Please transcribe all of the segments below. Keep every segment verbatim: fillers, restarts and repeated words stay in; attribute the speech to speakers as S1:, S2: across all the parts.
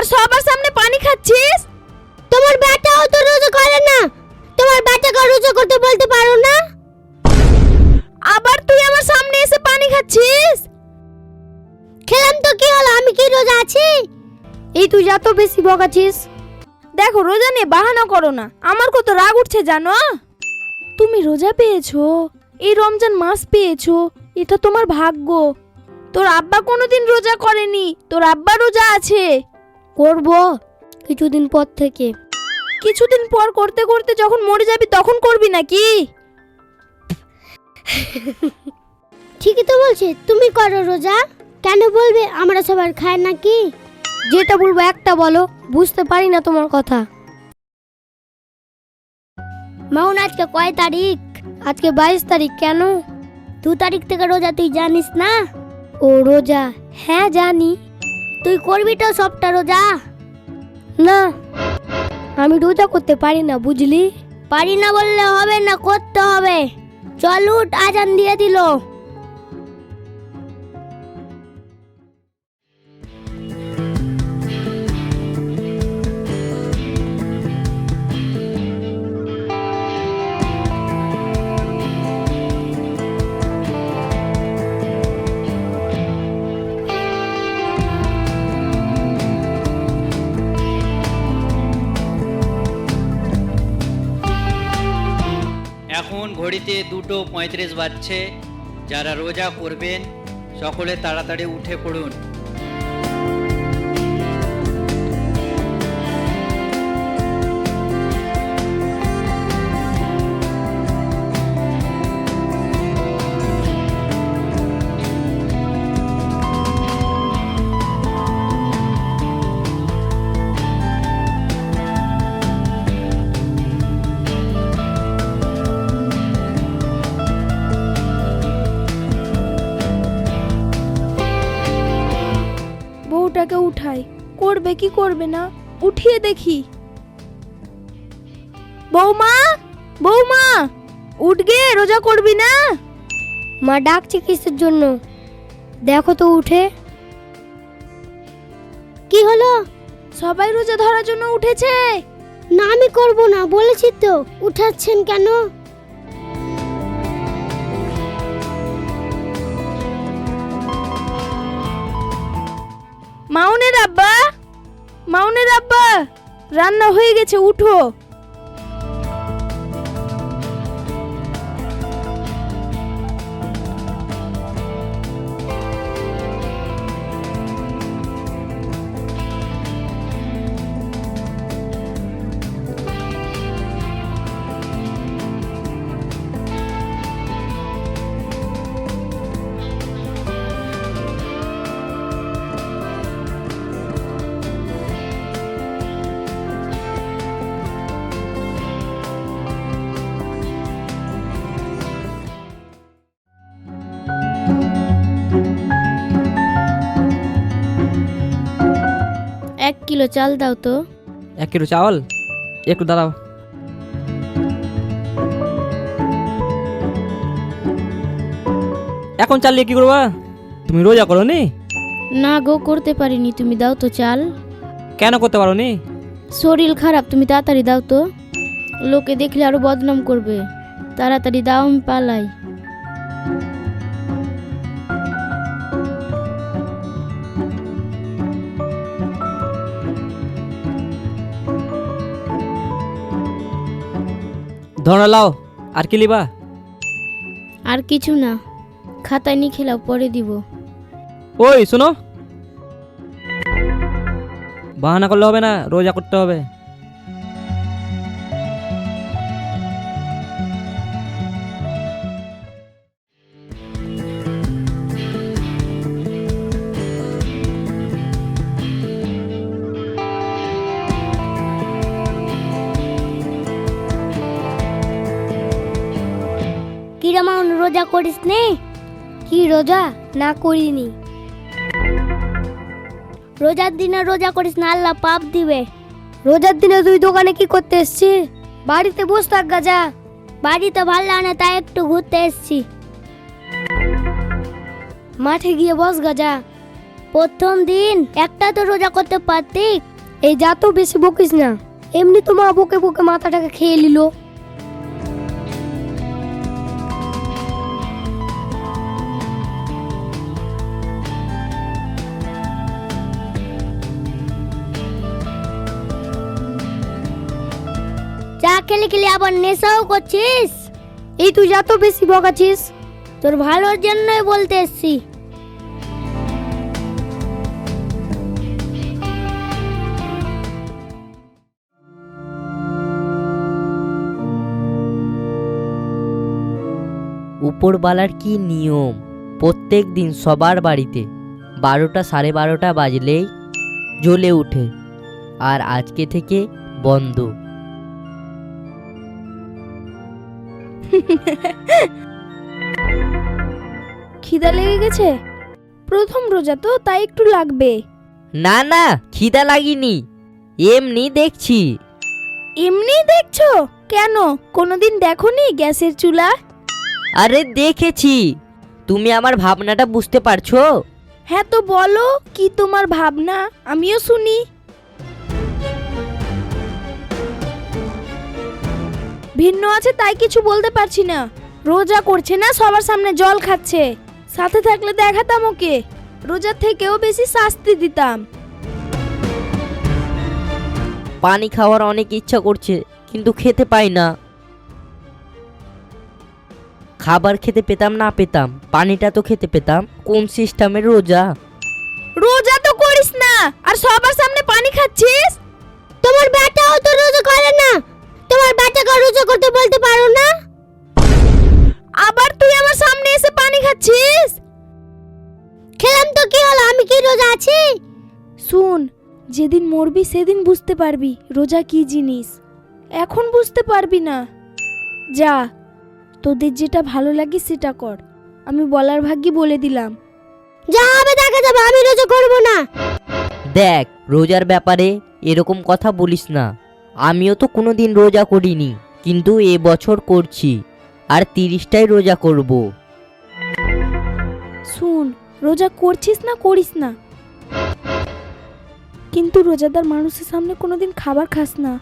S1: আর সবার সামনে পানি খাচ্ছিস?
S2: তোমার বেটাও তো রোজা করে না, তোমার বেটাকে রোজা করতে বলতে পারো না?
S1: আবার তুই আমার সামনে এসে পানি খাচ্ছিস?
S2: খেলাম তো কি হলো, আমি কি রোজা আছি? এই তুই যা তো বেশি বকাছিস।
S1: দেখো রোজা নিয়ে বাহানা করো না, আমার কত রাগ উঠছে জানো? তুমি রোজা পেয়েছো, এই রমজান মাস পেয়েছো, এটা তোমার ভাগ্য। তোর আব্বা কোনোদিন রোজা করেনি, তোর আব্বা রোজা আছে।
S2: করব কিছুদিন পর থেকে।
S1: কিছুদিন পর করতে করতে যখন মরে যাবি তখন করবি নাকি?
S2: ঠিকই তো বলছে, তুমি করো রোজা। কেন বলবে আমরা সবার খায় নাকি? যেটা বলবো একটা বলো, বুঝতে পারি না তোমার কথা। মাউন আজকে কয় তারিখ? আজকে বাইশ তারিখ। কেন? দু তারিখ থেকে রোজা, তুই জানিস না? ও রোজা, হ্যাঁ জানি। তুই করবি তো সবটা রোজা? না, আমি রোজা করতে পারি না, বুঝলি? পারি না বললে হবে না, করতে হবে। চল উঠ, আজান দিয়ে দিল।
S3: এখন ঘড়িতে দুটো পঁয়ত্রিশ বাজছে। যারা রোজা করবেন সকলে তাড়াতাড়ি উঠে পড়ুন।
S1: বউটাকে উঠাই, করবে কি করবে না, উঠিয়ে দেখি। বৌমা, বৌমা, উঠ গে, রোজা করবি না?
S2: মা ডাকছে কিসের জন্য? দেখো তো উঠে। কি হলো?
S1: সবাই রোজা ধরার জন্য উঠেছে।
S2: না আমি করব না বলেছি তো, উঠাচ্ছেন কেন?
S1: মাউনের আব্বা, মাউনের আব্বা, রান্না হয়ে গেছে, উঠো।
S2: এক কিলো চাল দাও তো।
S4: এক কিলো চাওয়াল? একটু দাঁড়াও। এখন চাল নিয়ে কি করবা? তুমি রোজা করো নি?
S2: না গো, করতে পারিনি, তুমি দাও তো চাল।
S4: কেন করতে পারো নি?
S2: শরীর খারাপ, তুমি তাড়াতাড়ি দাও তো, লোকে দেখলে আরো বদনাম করবে। তাড়াতাড়ি দাও, আমি পালাই।
S4: ধরো লাও। আর কি লিবা?
S2: আর কিছু না, খাতায় নিয়ে খেলাও, পরে দিব।
S4: ওই শোনো, বাহানা করলে হবে না, রোজা করতে হবে।
S2: কিরমান রোজা করিস নে? কি রোজা? না করিনি। রোজার দিনে রোজা করিস না, আল্লাহ পাপ দিবে। রোজার দিনে তুই দোকানে কি করতে এসছিস? বাড়িতে বস থাক গাজা। বাড়িতে ভাল লাগে না, তাই একটু ঘুরতে এসছি। মাঠে গিয়ে বস গাজা। প্রথম দিন একটা তো রোজা করতে পারতি, এই যা তো বেশি বকিস না, এমনি তো মা বকে বকে মাথাটাকে খেয়ে নিল। চা খেলে খেলে আবার নেশাও করছিস? এই তুই যা তো বেশি বকাছিস, তোর ভালোর জন্যই বলতে এসছি।
S5: উপরবালার কি নিয়ম, প্রত্যেক দিন সবার বাড়িতে বারোটা সাড়ে বারোটা বাজলেই জ্বলে ওঠে, আর আজকে থেকে বন্ধ।
S1: খিদা লেগে গেছে? প্রথম রোজা তো, তাই একটু লাগবে।
S5: না না, খিদা লাগেনি, এমনি দেখছি।
S1: এমনি দেখছো? কেন, কোনোদিন দেখোনি গ্যাসের চুলা?
S5: আরে দেখেছি, তুমি আমার ভাবনাটা বুঝতে পারছো?
S1: হ্যাঁ তো বলো, কি তোমার ভাবনা, আমিও শুনি। ভিন্ন আছে তাই কিছু বলতে পারছি না। রোজা করছে না, সবার সামনে জল খাচ্ছে, সাথে থাকলে দেখাতাম ওকে, রোজার থেকেও বেশি শাস্তি দিতাম।
S5: পানি খাওয়ার অনেক ইচ্ছা করছে, কিন্তু খেতে পাই না। খাবার খেতে পেতাম না পেতাম, পানিটা তো খেতে পেতাম। কোন সিস্টেমের রোজা?
S1: রোজা তো করিস না, আর সবার সামনে পানি খাচ্ছিস।
S2: তোমার বেটাও তো রোজা করে না, তোমার বেটাকে রোজা করতে বলতে পারো না?
S1: আবার তুই আমার সামনে এসে পানি খাচ্ছিস।
S2: খেলাম তো কি হলো, আমি কি রোজা আছি?
S1: শুন, যেদিন মরবি সেদিন বুঝতে পারবি রোজা কি জিনিস, এখন বুঝতে পারবি না। যা, তোদের যেটা ভালো লাগে সেটা কর, আমি বলার ভাগ্যে বলে দিলাম।
S2: যা হবে দেখা যাবে, আমি রোজা করব না।
S5: দেখ, রোজার ব্যাপারে এরকম কথা বলিস না। আমিও তো কোনোদিন রোজা করিনি, কিন্তু এ বছর করছি, আর তিরিশটাই রোজা করব।
S1: শুন, রোজা করছিস না করিস না, কিন্তু রোজাদার মানুষের সামনে কোনোদিন খাবার খাস না।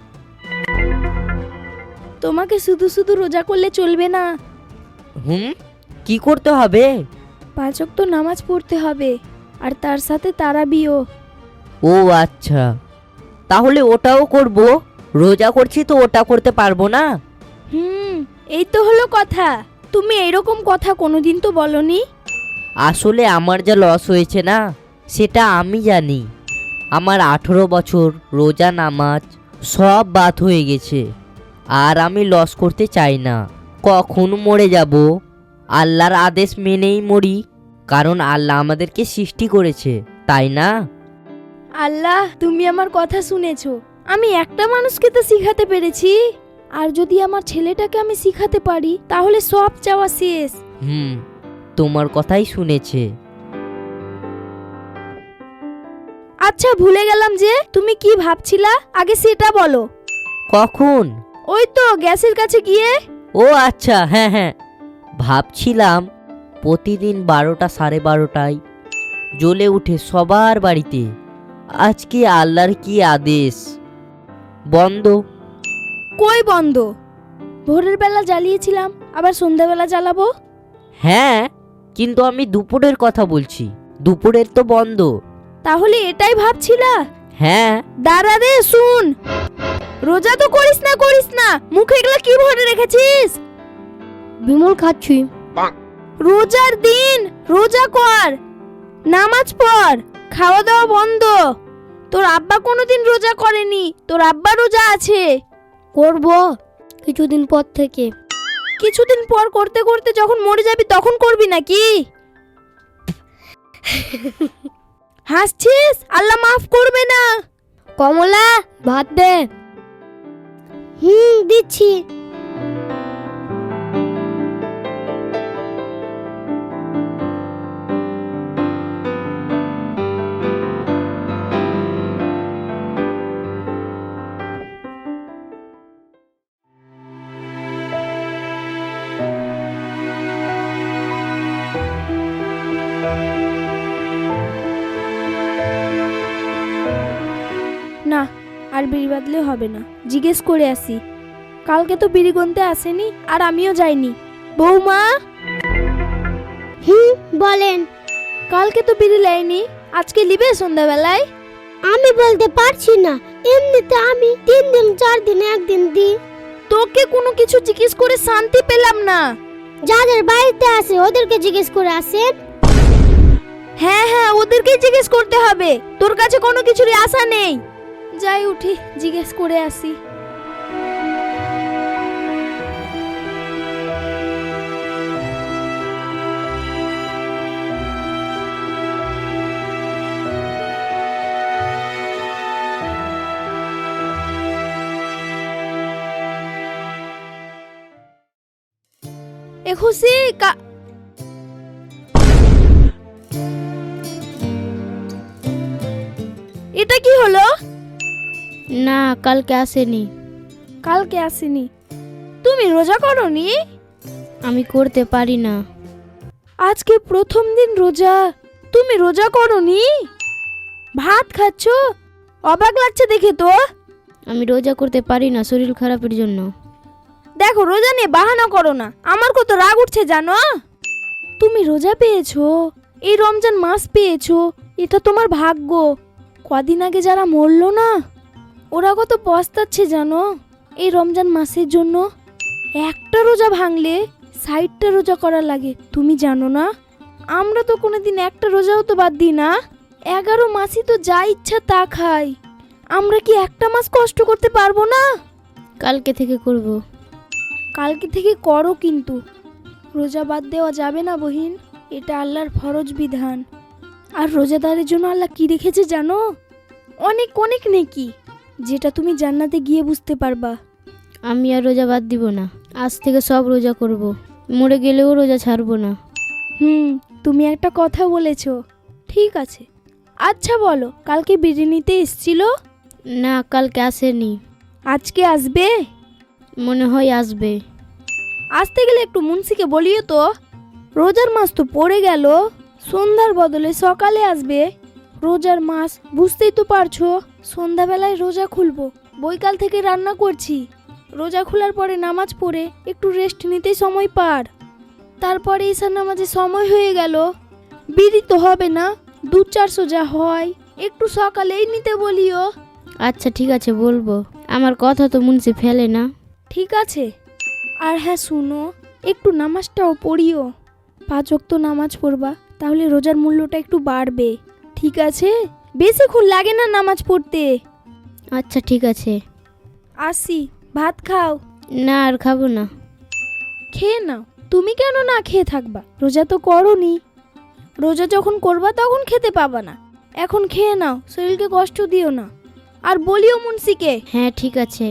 S1: তোমাকে শুধু শুধু রোজা করলে চলবে না,
S5: হুম, কি করতে হবে?
S1: পাঁচ ওয়াক্ত নামাজ পড়তে হবে, আর তার সাথে তারাবিও।
S5: ও আচ্ছা, তাহলে ওটাও করব। রোজা করছি তো ওটা করতে পারবো না?
S1: হুম, এই তো হলো কথা। তুমি এরকম কথা কোনোদিন তো বলনি।
S5: আসলে আমার যা লস হয়েছে না, সেটা আমি জানি। আমার আঠেরো বছর রোজা নামাজ সব বাদ হয়ে গেছে, আর আমি লস করতে চাই না। কখন মরে যাব, আল্লাহর আদেশ মেনেই মরি, কারণ আল্লাহ আমাদেরকে সৃষ্টি করেছে, তাই না?
S1: আল্লাহ, তুমি আমার কথা শুনেছো। আমি একটা মানুষকে তো শিখাতে পেরেছি, আর যদি আমার ছেলেটাকে আমি শিখাতে পারি তাহলে সব চাওয়া শেষ।
S5: হুম, তোমার কথাই শুনেছে।
S1: আচ্ছা, ভুলে গেলাম যে তুমি কি ভাবছিলা, আগে সেটা বলো।
S5: কখন?
S1: ওই তো গ্যাসের কাছে গিয়ে।
S5: ও আচ্ছা, হ্যাঁ হ্যাঁ, ভাবছিলাম প্রতিদিন বারোটা সাড়ে বারোটায় জ্বলে উঠে সবার বাড়িতে, আজকে আল্লাহর কি আদেশ, বন্ধ।
S1: কই বন্ধ? ভোরের বেলা জ্বালিয়েছিলাম, আবার সন্ধ্যাবেলা জ্বালাবো।
S5: হ্যাঁ, কিন্তু আমি দুপুরের কথা বলছি, দুপুরের তো বন্ধ।
S1: তাহলে এটাই ভাবছিলা?
S5: হ্যাঁ।
S1: দাঁড়া রে, শুন, রোজা তো করিস না করিস না, মুখে এগুলো কি ভরে রেখেছিস?
S2: বিমল খাচ্ছি।
S1: রোজার দিন রোজা কর, নামাজ পড়, খাওয়া দাওয়া বন্ধ। তোর আব্বা কোনোদিন রোজা করেনি, তোর আব্বা রোজা আছে।
S2: করব কিছুদিন পর থেকে।
S1: কিছুদিন পর করতে করতে যখন মরে যাবি তখন করবি নাকি? হাসছিস? আল্লাহ মাফ করবে না।
S2: কমলা, ভাত দে। হুম, দিচ্ছি।
S1: না, আর বিড়ি বাঁধলে হবে না, জিজ্ঞেস করে আসি। কালকে তো বিড়ি গুনতে আসেনি আর আমিও যাইনি। বৌমা,
S2: হুম, বলেন।
S1: কালকে তো বিড়ি লাইনি, আজকে লিবে সন্ধ্যাবেলায়?
S2: আমি বলতে পারছি না, এমনিতে আমি তিন দিন চার দিনে একদিন দিই।
S1: তোকে কোনো কিছু জিজ্ঞেস করে শান্তি পেলাম না।
S2: যাদের বাড়িতে আসে ওদেরকে জিজ্ঞেস করে আসেন।
S1: হ্যাঁ হ্যাঁ, ওদেরকেই জিজ্ঞেস করতে হবে, তোর কাছে কোনো কিছুরই আশা নেই। যাই উঠি, জিজ্ঞেস করে আসি। এ খুশি কা এটা কি হলো?
S2: না, কালকে আসেনি।
S1: কালকে আসেনি? তুমি রোজা করোনি?
S2: আমি করতে পারি না।
S1: আজকে প্রথম দিন রোজা, তুমি রোজা করোনি? ভাত খাচ্ছ? অবাক লাগছে দেখে তো।
S2: আমি রোজা করতে পারি না, শরীর খারাপের জন্য।
S1: দেখো, রোজা নিয়ে বাহানা করো না, আমার কত রাগ উঠছে জানো। তুমি রোজা পেয়েছো, এই রমজান মাস পেয়েছো, এটা তোমার ভাগ্য। কদিন আগে যারা মরলো না, ওরা কত পস্তাচ্ছে জানো এই রমজান মাসের জন্য। একটা রোজা ভাঙলে ষাটটা রোজা করা লাগে, তুমি জানো না? আমরা তো কোনোদিন একটা রোজাও তো বাদ দিই না, এগারো মাসই তো যা ইচ্ছা তা খাই। আমরা কি একটা মাস কষ্ট করতে পারবো না?
S2: কালকে থেকে করব।
S1: কালকে থেকে করো, কিন্তু রোজা বাদ দেওয়া যাবে না বহিন, এটা আল্লাহর ফরজ বিধান। আর রোজাদারের জন্য আল্লাহ কি রেখেছে জানো? অনেক অনেক নেকি, যেটা তুমি জান্নাতে গিয়ে বুঝতে পারবা।
S2: আমি আর রোজা বাদ দিব না, আজ থেকে সব রোজা করব। মরে গেলেও রোজা ছাড়বো না।
S1: হুম, তুমি একটা কথা বলেছো, ঠিক আছে। আচ্ছা বলো, কালকে বিরিয়ানিতে এসছিল?
S2: না, কালকে আসেনি।
S1: আজকে আসবে?
S2: মনে হয় আসবে।
S1: আসতে গেলে একটু মুন্সিকে বলিও তো, রোজার মাস তো পড়ে গেল, সন্ধ্যার বদলে সকালে আসবে। রোজার মাস বুঝতেই তো পারছো, সন্ধ্যাবেলায় রোজা খুলবো, বৈকাল থেকে রান্না করছি। রোজা খোলার পরে নামাজ পড়ে একটু রেস্ট নিতেই সময় পার, তারপরে ঈশার নামাজে সময় হয়ে গেল। বিড়ি তো হবে না, দু চারশো যা হয় একটু সকালেই নিতে বলিও।
S2: আচ্ছা ঠিক আছে, বলবো। আমার কথা তো মুন্সি ফেলে না।
S1: ঠিক আছে। আর হ্যাঁ শুনো, একটু নামাজটাও পড়িও, পাঁচ ওয়াক্ত নামাজ পড়বা, তাহলে রোজার মূল্যটা একটু বাড়বে, ঠিক আছে? বেশিক্ষণ লাগে না নামাজ পড়তে।
S2: আচ্ছা ঠিক আছে।
S1: আসি, ভাত খাও।
S2: না, আর খাবো না।
S1: খেয়ে নাও। তুমি কেন না খেয়ে থাকবা? রোজা তো করোনি, রোজা যখন করবা তখন খেতে পাবা না, এখন খেয়ে নাও, শরীরকে কষ্ট দিও না। আর বলিও মুন্সিকে।
S2: হ্যাঁ ঠিক আছে।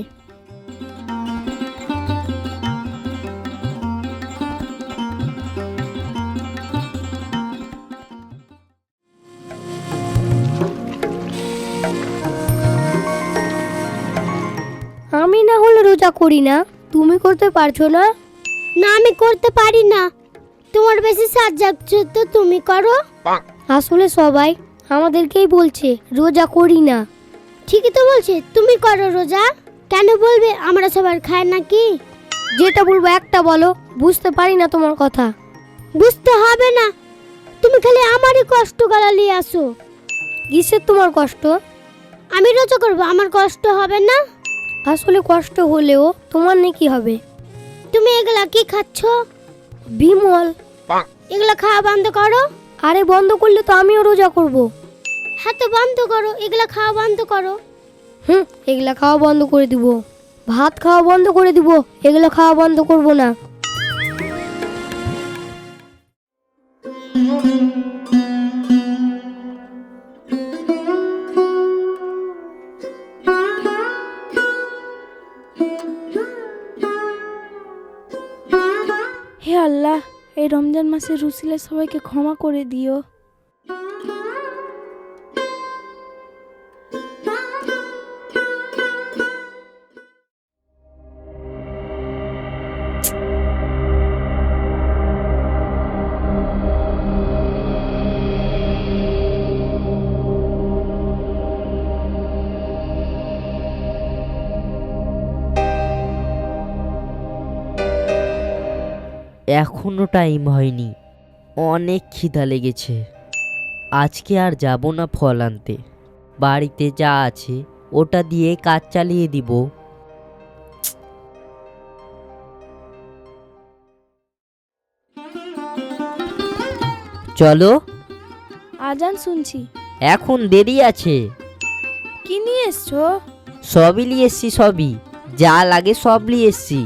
S2: আমি না হলে রোজা করি না, তুমি করতে পারছো না? না, আমি করতে পারি না। তোমার বেশি সাজ যাচ্ছে তো তুমি করো। আসলে সবাই আমাদেরকেই বলছে রোজা করি না। ঠিকই তো বলছে, তুমি করো রোজা। কেন বলবে আমরা সবার খাই নাকি? যেটা বলবো একটা বলো, বুঝতে পারি না তোমার কথা। বুঝতে হবে না, তুমি খালি আমারই কষ্ট গালালি আসো। কিসের তোমার কষ্ট? আমি রোজা করবো, আমার কষ্ট হবে না? আসলে কষ্ট হলেও তোমার নাকি হবে? তুমি এগুলা কি খাচ্ছ? বিমল, এগুলা খাওয়া বন্ধ করো। আরে বন্ধ করলে তো আমিও রোজা করব। হ্যাঁ তো বন্ধ করো, এগুলা খাওয়া বন্ধ করো। হুম, এগুলা খাওয়া বন্ধ করে দিব। ভাত খাওয়া বন্ধ করে দিব, এগুলো খাওয়া বন্ধ করব না।
S1: হে আল্লাহ, এই রমজান মাসে রুসিলে সবাইকে ক্ষমা করে দিও।
S5: এখনো টাইম হয়নি, অনেক খিদা লেগেছে। আজকে আর যাব না ফল আনতে, বাড়িতে যা আছে ওটা দিয়ে কাজ চালিয়ে দিব। চলো,
S1: আজান শুনছি।
S5: এখন দেরি আছে।
S1: কি নিয়ে এসছো?
S5: সবই নিয়ে এসছি, সবই যা লাগে সব নিয়ে এসছি।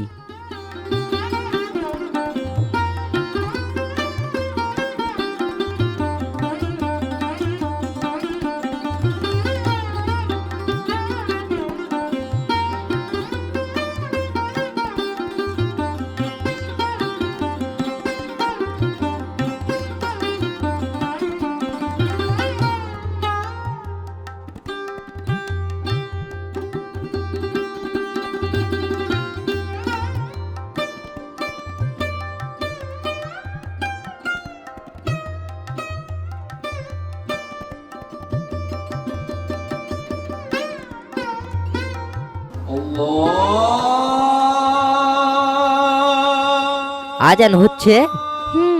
S5: আজান হচ্ছে।
S1: হুম।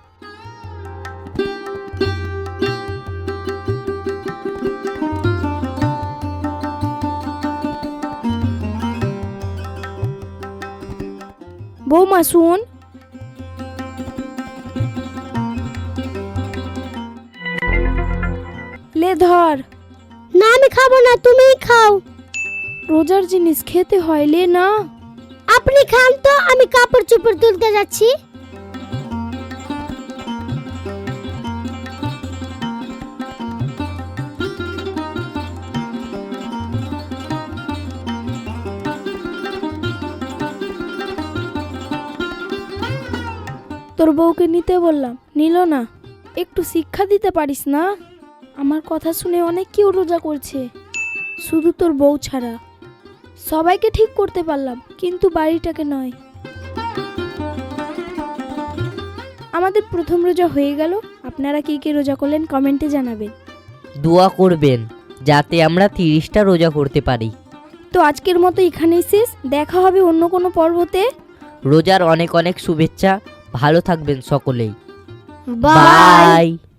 S1: বৌমা শুন, লে ধর।
S2: না আমি খাবো না, তুমিই খাও।
S1: রোজার জিনিস খেতে হয়, লে না।
S2: আপনি খান তো, আমি কাপড় চোপড় তুলতে যাচ্ছি।
S1: তোর বউকে নিতে বললাম, নিল না। একটু শিক্ষা দিতে পারিস না? আমার কথা শুনে অনেক কেউ রোজা করছে, শুধু তোর বউ ছাড়া। সবাইকে ঠিক করতে পারলাম, কিন্তু বাড়িটাকে নয়। আমাদের প্রথম রোজা হয়ে গেল। আপনারা কে কে রোজা করলেন কমেন্টে জানাবেন।
S5: দোয়া করবেন যাতে আমরা তিরিশটা রোজা করতে পারি।
S1: তো আজকের মতো এখানেই শেষ, দেখা হবে অন্য কোনো পর্বতে।
S5: রোজার অনেক অনেক শুভেচ্ছা, ভালো থাকবেন সকলেই।
S2: বাই।
S5: বাই।